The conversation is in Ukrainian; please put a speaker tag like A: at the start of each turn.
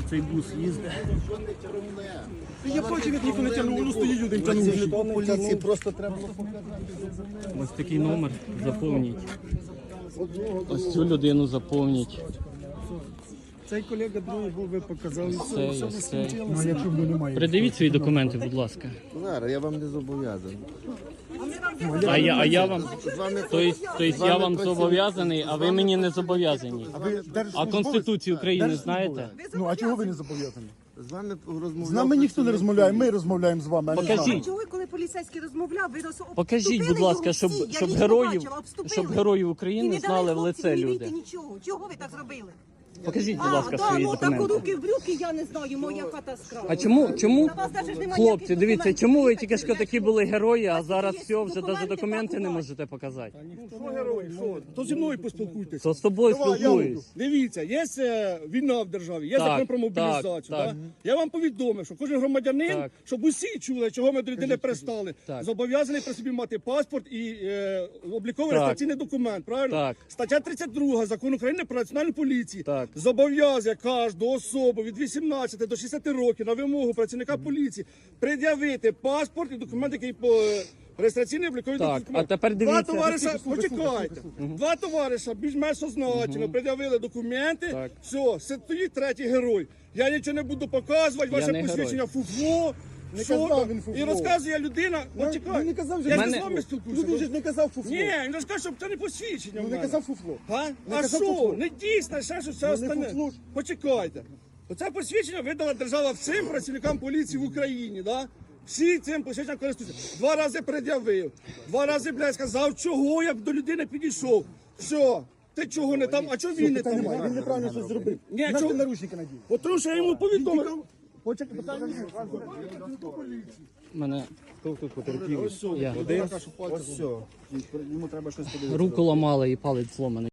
A: цей бус їздить.
B: Я бачив, як ніхто не тягнув, воно стоїть один тягнув.
C: Поліції просто треба було показати.
A: Ось такий номер заповніть. Ось цю людину заповніть.
B: Цей колега другий був, ви показали.
A: Цей, ось цей.
B: Ну, а якщо б немає?
A: Придивіть свої документи, будь ласка.
C: Зараз, я вам не зобов'язаний.
A: А я вам... Тобто я вам зобов'язаний, а ви мені не зобов'язані. А Конституцію України знаєте?
B: Ну, а чого ви не зобов'язані?
C: З вами розмовляв.
B: З нами ніхто не розмовляє, ми розмовляємо з вами, а не з нами.
A: Покажіть.
D: Чого, коли поліцейський розмовляв, ви
A: Покажіть, будь ласка, щоб героїв України знали в лице люди.
D: Нічого. Чого ви так зробили?
A: Покажіть, будь ласка, свої
D: ну так
A: документи.
D: руки в брюки, я не знаю, моя хата скрала.
A: А чому,
D: На вас даже ж немає
A: хлопці,
D: ніяких
A: дивіться,
D: документів.
A: чому ви тільки що такі були герої, а зараз
D: є
A: все, вже навіть
D: документи,
A: документи не
D: пакувати.
A: можете показати?
B: Що герой, що? То зі мною поспілкуйтесь.
A: То з тобою спілкуюсь.
B: Дивіться, є війна в державі, є
A: Так,
B: закон про мобілізацію.
A: так.
B: Так? Я вам повідомив, що кожен громадянин,
A: Так.
B: щоб усі чули, чого ми до людини пристали,
A: Так.
B: зобов'язаний при собі мати паспорт і обліковий
A: Так.
B: реєстраційний документ. Правильно?
A: Так.
B: Стаття 32 Закону України про національну поліцію
A: Так.
B: зобов'язує кожну особу від 18 до 60 років на вимогу працівника поліції пред'явити паспорт і документ, який по реєстраційний обліковий
A: Так,
B: документ.
A: а тепер дивіться.
B: Два товариша, почекайте. Два товариша більш-менш сознательно пред'явили документи.
A: Так.
B: Все, стоїть третій герой. Я нічого не буду показувати,
A: Я
B: ваше
A: не
B: посвідчення фуфло.
E: Не
B: що
E: казав
B: там.
E: він фуфло.
B: І розказує людина, почекай.
E: Він не казав, що
B: я ж
A: мене-
B: не з вами
E: Ну
B: спілкуюся.
E: він же ж не казав фуфло.
B: Ні, він розкаже, що це не посвідчення.
E: Ну
B: в
E: не
B: мене.
E: казав фуфло.
B: А?
E: Не
B: А
E: казав
B: що?
E: фуфло.
B: Не дійсно, ще що все
E: Ну, не
B: остальне.
E: фуфло ж.
B: Почекайте. Оце посвідчення видала держава всім працівникам поліції в Україні, да? Всі цим посвідченням користуються. Два рази пред'явив, два рази, блядь, сказав, чого я до людини підійшов. Все, ти чого не там, а чого він не
E: Питань
B: там?
E: немає, він неправильно щось зробив.
B: Ні,
E: Наш
B: чого-
E: ти наручники надів.
B: От тому що я йому повідомив.
E: Почекай, питання
A: Мене я.
C: Ось все. Йому треба щось подивитися.
A: Руку ламали і палець зломаний.